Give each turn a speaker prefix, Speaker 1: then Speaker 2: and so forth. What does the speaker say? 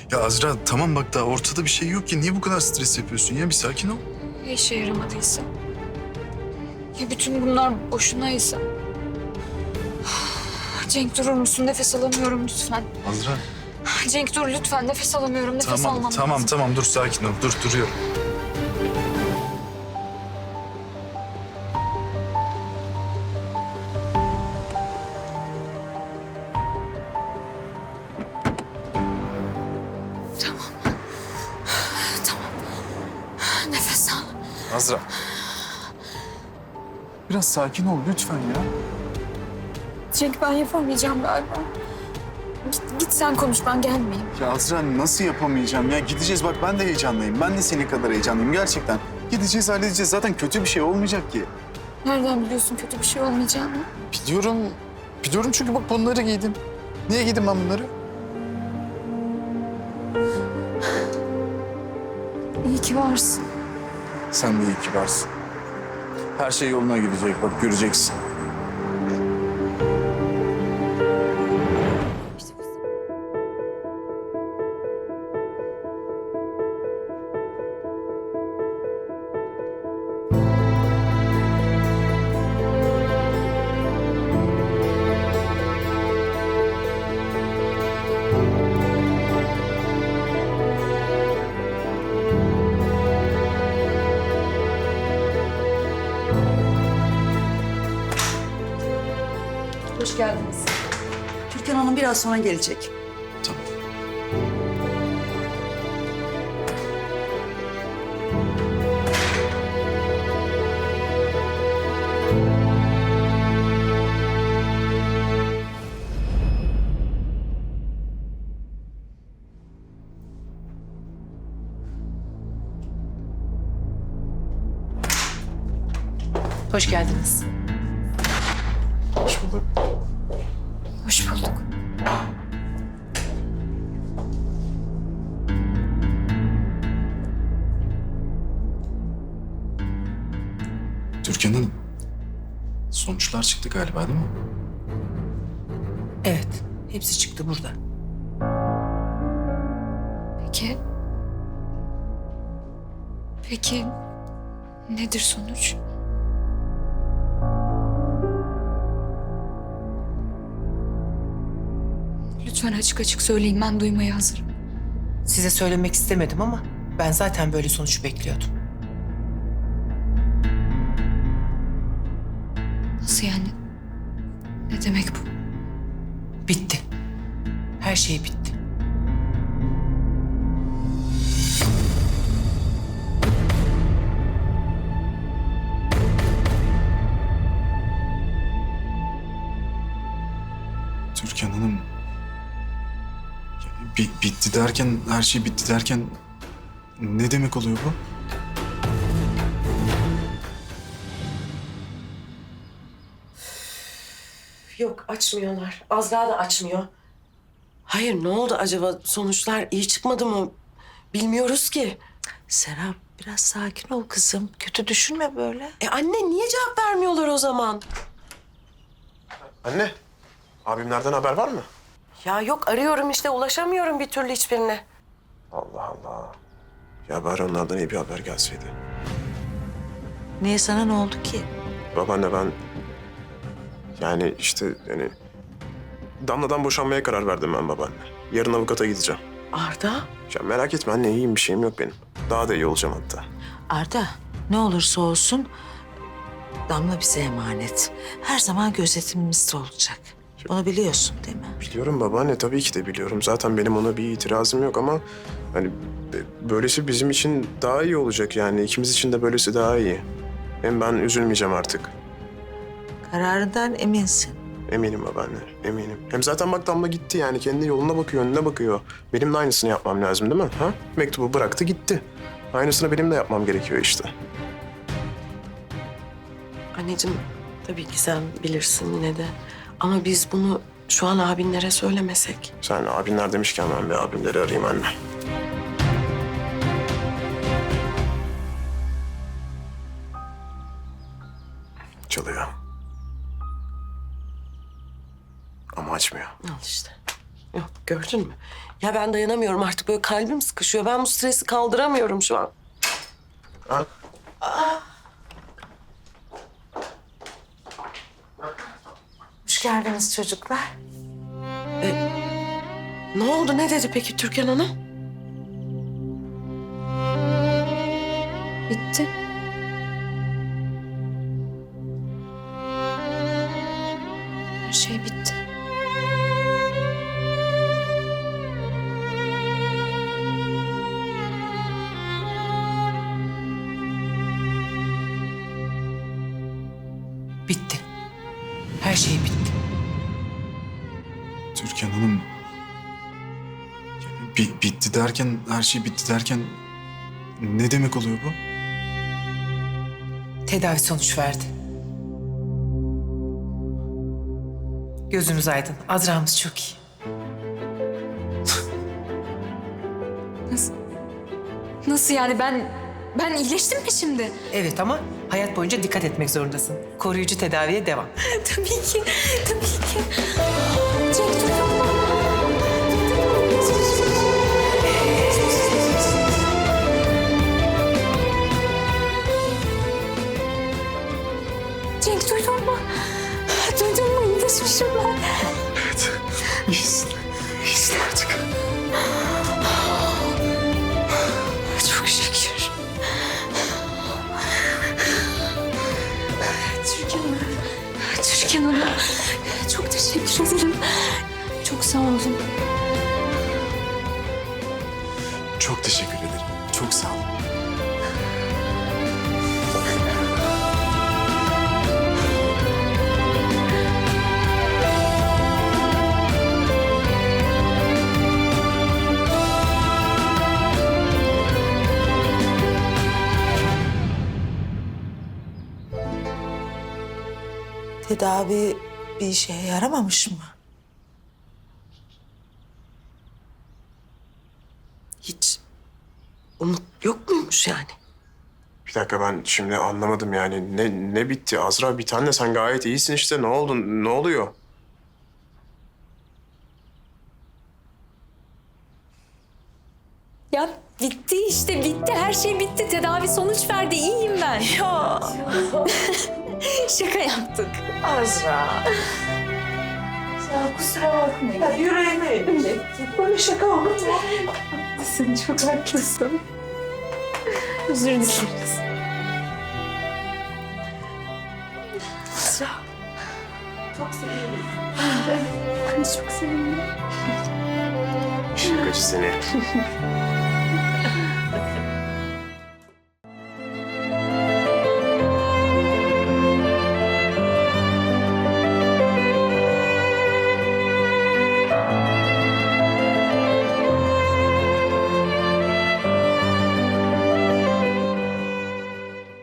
Speaker 1: Ya Azra tamam bak daha ortada bir şey yok ki. Niye bu kadar stres yapıyorsun ya? Bir sakin ol.
Speaker 2: Ya işe yaramadıysa? Ya bütün bunlar boşunaysa? Cenk durur musun? Nefes alamıyorum lütfen.
Speaker 1: Azra.
Speaker 2: Cenk dur lütfen. Nefes alamıyorum. Nefes almam
Speaker 1: Tamam
Speaker 2: lazım.
Speaker 1: tamam dur sakin ol. Dur duruyorum.
Speaker 2: Tamam. Nefes al.
Speaker 1: Azra. Biraz sakin ol lütfen ya.
Speaker 2: Cenk ben yapamayacağım galiba. Git sen konuş ben gelmeyeyim.
Speaker 1: Ya Azra nasıl yapamayacağım ya? Gideceğiz bak ben de heyecanlıyım. Ben de senin kadar heyecanlıyım gerçekten. Gideceğiz halledeceğiz. Zaten kötü bir şey olmayacak ki.
Speaker 2: Nereden biliyorsun kötü bir şey olmayacağını?
Speaker 1: Biliyorum. Biliyorum çünkü bak bunları giydim. Niye giydim ben bunları?
Speaker 2: İyi ki varsın.
Speaker 1: Sen de iyi ki varsın. Her şey yoluna gidecek bak göreceksin.
Speaker 3: Hoş geldiniz. Türkan Hanım biraz sonra gelecek.
Speaker 1: Tamam.
Speaker 4: Hoş geldiniz.
Speaker 1: Hoş bulduk.
Speaker 2: Hoş bulduk.
Speaker 1: Türkan Hanım. Sonuçlar çıktı galiba değil mi?
Speaker 4: Evet, hepsi çıktı burada.
Speaker 2: Peki... Peki nedir sonuç? Lütfen açık açık söyleyin ben duymaya hazırım.
Speaker 4: Size söylemek istemedim ama ben zaten böyle sonuç bekliyordum.
Speaker 2: Nasıl yani? Ne demek bu?
Speaker 4: Bitti. Her şey bitti.
Speaker 1: Türkan Hanım. Ya, bitti derken, her şey bitti derken ne demek oluyor bu?
Speaker 5: Yok açmıyorlar. Azra da açmıyor. Hayır ne oldu acaba? Sonuçlar iyi çıkmadı mı? Bilmiyoruz ki.
Speaker 6: Serap biraz sakin ol kızım. Kötü düşünme böyle.
Speaker 5: Anne niye cevap vermiyorlar o zaman?
Speaker 7: Anne, abimlerden haber var mı?
Speaker 5: Ya yok arıyorum işte ulaşamıyorum bir türlü hiçbirine.
Speaker 7: Allah Allah. Ya bari onlardan iyi bir haber gelseydi.
Speaker 6: Niye sana ne oldu ki?
Speaker 7: Babaanne ben... Yani işte yani... Damla'dan boşanmaya karar verdim ben babaanne. Yarın avukata gideceğim.
Speaker 5: Arda?
Speaker 7: Ya merak etme anne iyiyim bir şeyim yok benim. Daha da iyi olacağım hatta.
Speaker 6: Arda ne olursa olsun Damla bize emanet. Her zaman gözetimimizde olacak. Onu biliyorsun değil mi?
Speaker 7: Biliyorum babaanne tabii ki de biliyorum. Zaten benim ona bir itirazım yok ama... Hani böylesi bizim için daha iyi olacak yani. İkimiz için de böylesi daha iyi. Hem ben üzülmeyeceğim artık.
Speaker 6: Kararından eminsin.
Speaker 7: Eminim babaanne, eminim. Hem zaten bak Damla gitti yani. Kendi yoluna bakıyor, önüne bakıyor. Benim de aynısını yapmam lazım değil mi? Ha? Mektubu bıraktı gitti. Aynısını benim de yapmam gerekiyor işte.
Speaker 5: Anneciğim tabii ki sen bilirsin yine de. Ama biz bunu şu an abinlere söylemesek.
Speaker 7: Sen abinler demişken ben bir abimleri arayayım anne. Çalıyor. Ama açmıyor.
Speaker 5: Al işte. Yok, gördün mü? Ya ben dayanamıyorum artık, böyle kalbim sıkışıyor. Ben bu stresi kaldıramıyorum şu an.
Speaker 6: Hoş geldiniz çocuklar.
Speaker 5: Ne oldu, ne dedi peki Türkan Hanım?
Speaker 2: Bitti. Her şey bitti.
Speaker 4: Bitti. Her şey bitti.
Speaker 1: Türkan Hanım... bitti derken, her şey bitti derken... Ne demek oluyor bu?
Speaker 4: Tedavi sonuç verdi. Gözümüz aydın. Azra'mız çok iyi.
Speaker 2: Nasıl yani ben iyileştim mi şimdi?
Speaker 4: Evet ama hayat boyunca dikkat etmek zorundasın. Koruyucu tedaviye devam.
Speaker 2: Tabii ki. Tabii ki. Cenk duydun mu? Cenk duydun mu? Duydun mu? İyileşmişim ben.
Speaker 1: Evet. İyisin. İyisin artık.
Speaker 2: Çok şükür. Türkan Hanım. Türkan Hanım. Çok teşekkür ederim. Çok sağ olun.
Speaker 1: Çok teşekkür ederim. Çok sağ olun.
Speaker 6: Tedavi bir işe yaramamış mı?
Speaker 5: Hiç umut yok muymuş yani?
Speaker 7: Bir dakika, ben şimdi anlamadım yani. Ne bitti Azra? Bir tane, sen gayet iyisin işte. Ne oldu? Ne oluyor?
Speaker 2: Ya bitti işte bitti. Her şey bitti. Tedavi sonuç verdi. İyiyim ben. Ya. Şaka yaptık.
Speaker 6: Azra.
Speaker 2: Ya kusura bakmayın.
Speaker 6: Ya yüreğime eğildi. Böyle şaka olur mu?
Speaker 2: Sen çok haklısın. Özür dileriz. Azra. Çok sevindim. Ben çok sevindim.
Speaker 7: Şakacı seni.